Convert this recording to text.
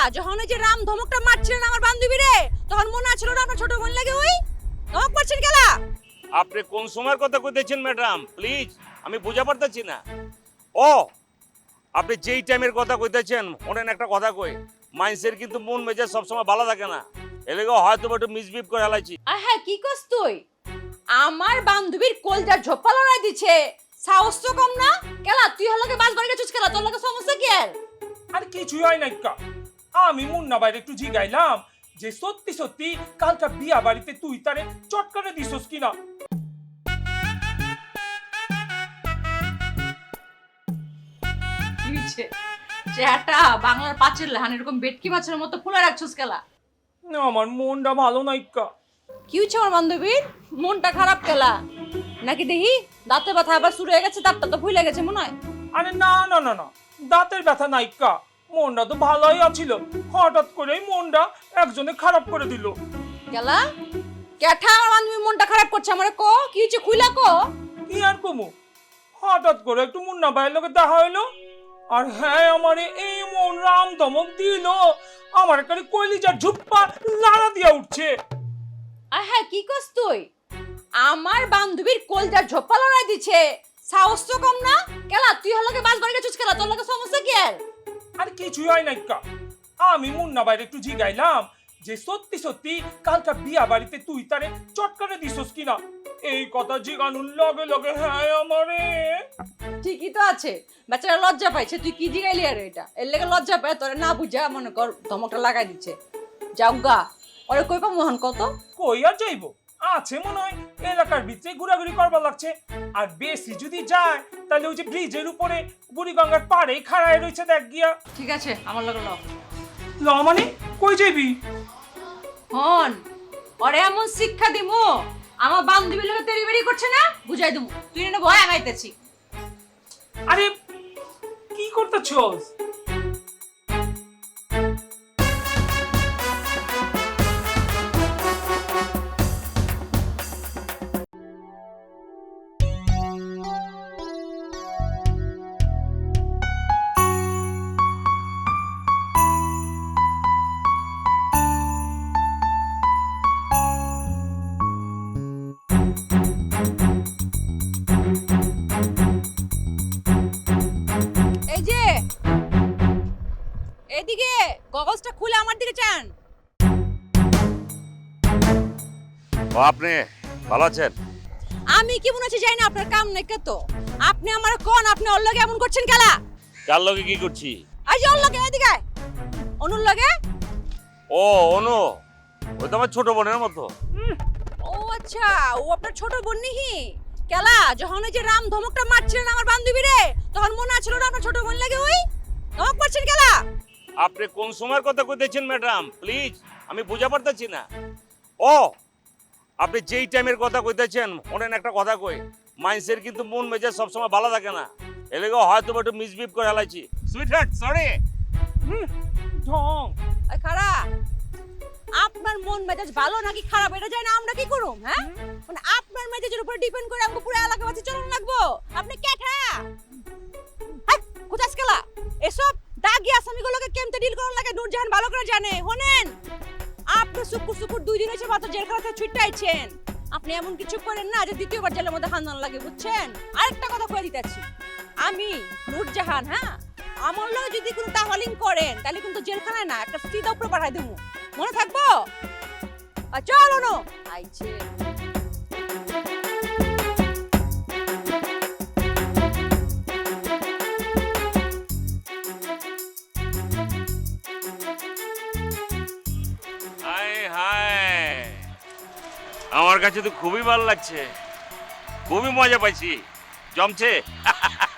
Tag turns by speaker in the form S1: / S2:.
S1: যখন ওই যে রাম ধমকটা মারছিলেন আমার বান্ধবী রে, তখন মনে আছিল না আপনার ছোট বোন লাগে ওই ধমক মারছেন কেলা?
S2: আপনি কোন সময়ের কথা কইতেছেন ম্যাডাম? প্লিজ, আমি বুঝা পারতেছি না। ও, আপনি যেই টাইমের কথা কইতেছেন, ওনেন একটা কথা কই, মাইন্সের কিন্তু মন মেজাজ সবসময় ভালো থাকে না, এলেগে হয়তো একটু মিসবিহেভ করে হেলাইছি।
S1: হ্যাঁ, কি কস তুই? আমার বান্ধবীর কলজার ঝোপা লড়াই দিছে, সাহস তো কম না কেলা? তুই হলকে বাস বাড়ি গেছিস কেলা? তোর লগে সমস্যা কি আর?
S3: আর কিছুই হয় নাই কা। আমি মুন্না বাইরে একটু জিগাইলাম যে সত্যি সত্যি কালকা বিয়া বাড়িতে তুই তারে চটকারে দিছস কিনা।
S1: কি হইছে? চেহারাটা বাংলার পাঁচের লাহান এরকম বেটকি মাছের মতো ফুলে রাখছিস কেলা?
S3: না, আমার মনটা ভালো নাই কা।
S1: কি হচ্ছে আমার বান্ধবীর? মনটা খারাপ কেলা? নাকি দেখি দাঁতে ব্যথা আবার শুরু হয়ে গেছে, দাঁতটা তো ফুলে গেছে মনে হয়।
S3: আরে না না না না, দাঁতের ব্যথা নাই কা। মনটা তো ভালোই আছিল, হঠাৎ করেই মনটা একজনে খারাপ করে দিল।
S1: কেলা ক্যাঠা আমার বান্ধবীর মনটা খারাপ করছে? আমারে কো কি হচ্ছে, খুইলা কো।
S3: কি আর কমু, হঠাৎ করে একটু মুন্না ভাইয়ের লোকে দেখা হইলো, আর হ্যাঁ আমারে এই মন রাম ধমক দিল, আমার এখানে কলিজার ঝুপ্পা লাড়া দিয়া উঠছে।
S1: হ্যাঁ, কি কস তুই? আমার বান্ধবীর কলজার ঝোপা লড়াই দিছে, সাহস তো কম না কেলা? তুই হলকে বাস বাড়ি গেছিস কেলা? তোর লগে সমস্যা কি আর?
S3: আর কিছুই হয় নাই কা। আমি মুন্না বাইরে একটু জিগাইলাম যে সত্যি সত্যি কালকা বিয়া বাড়িতে তুই তারে চটকারে দিছস কিনা। এই কথা জিগানুর লগে লগে হ্যাঁ আমারে।
S1: ঠিকই তো আছে, বেচারা লজ্জা পাইছে। তুই কি জিগাইলি আর এটা? এর লেগে লজ্জা পায়, তোরে না বুঝা মনে কর ধমকটা লাগাই দিচ্ছে। যাও গা, ওরে কই পা মোহন কত?
S3: কই আর যাইবো, আছে মনে হয় এলাকার ভিতরে ঘোরাঘুরি করবার লাগছে। আর বেশি যদি যায় তাহলে ওই যে ব্রিজের উপরে বুড়িগঙ্গার পাড়ে খাড়ায় রয়েছে দেখ গিয়া।
S1: ঠিক আছে, আমার লগে ল।
S3: ল মানে কই যাইবি?
S1: হন, ওরে এমন শিক্ষা দিমু, আমার বান্ধবীর লগে তেরি বেরি করছে না, বুঝাই দিমু। তুই না ভয় আগাইতেছি।
S3: আরে কি করতেছস?
S1: এই যে এদিকে গগলসটা খুলে আমার দিকে চান।
S2: ও, আপনি ভালো আছেন?
S1: আমি কি মনে হচ্ছে যাই না, আপনার কাম নাই কত? আপনি আমার কোন, আপনি ওর লগে এমন করছেন কেলা?
S2: কার লগে কি করছি?
S1: আজ ওর লগে এদিকে আয়। অনুর লগে?
S2: ও, অনু, ওই তো আমার ছোট বোনের মতো।
S1: ও আচ্ছা, ও আপনার ছোট বোন নিহি কেলা? যখন ওই যে রাম ধমকটা মারছিলেন আমার বান্ধবী রে, তখন মনে আছিল না আপনার ছোট বোন লাগে ওই ধমক মারছেন কেলা?
S2: আপনি কোন সময়ের কথা কইতেছেন ম্যাডাম? প্লিজ, আমি বুঝা পারতেছি না। ও, আপনি যেই টাইমের কথা কইতেছেন, ওনেন একটা কথা কই, মাইন্সের কিন্তু মন মেজাজ সবসময় ভালো থাকে না, এলেগে হয়তো একটু মিসবিহেভ করে হেলাইছি। Sweetheart, sorry.
S3: ঢং।
S1: আই খারা, আপনার মন মেজাজ ভালো নাকি খারাপ এটা জানি না আমরা কি করুম? হ্যাঁ, মানে আপনার মেজাজের উপর ডিপেন্ড করে আমাকে পুরো এলাকাবাসী চলন লাগবো? আপনি ক্যাঠা কোথাস কেলা? এসব দাগি আসামিগুলোকে কেমতে ডিল করার লাগে নূরজাহান ভালো করে জানে। শোনেন, আপনি সুকুর সুকুর 2 দিন হয়েছে মাত্র জেলখানা থেকে ছুটে আইছেন। আপনি এমন কিছু করেন না যে দ্বিতীয়বার জেলের মধ্যে হান্দান লাগে, বুঝছেন? আরেকটা কথা কয়ে দিতেছি, আমি নূরজাহান, হ্যাঁ, আমার লগে যদি কোনো তাহলিং করেন তাহলে কিন্তু জেলখানায় না, একটা সিধা উপরে পাঠাই দেবো, মনে থাকবো? চলো নো আইছে।
S2: হায় হায়, আমার কাছে তো খুবই ভালো লাগছে, খুবই মজা পাইছি, জমছে।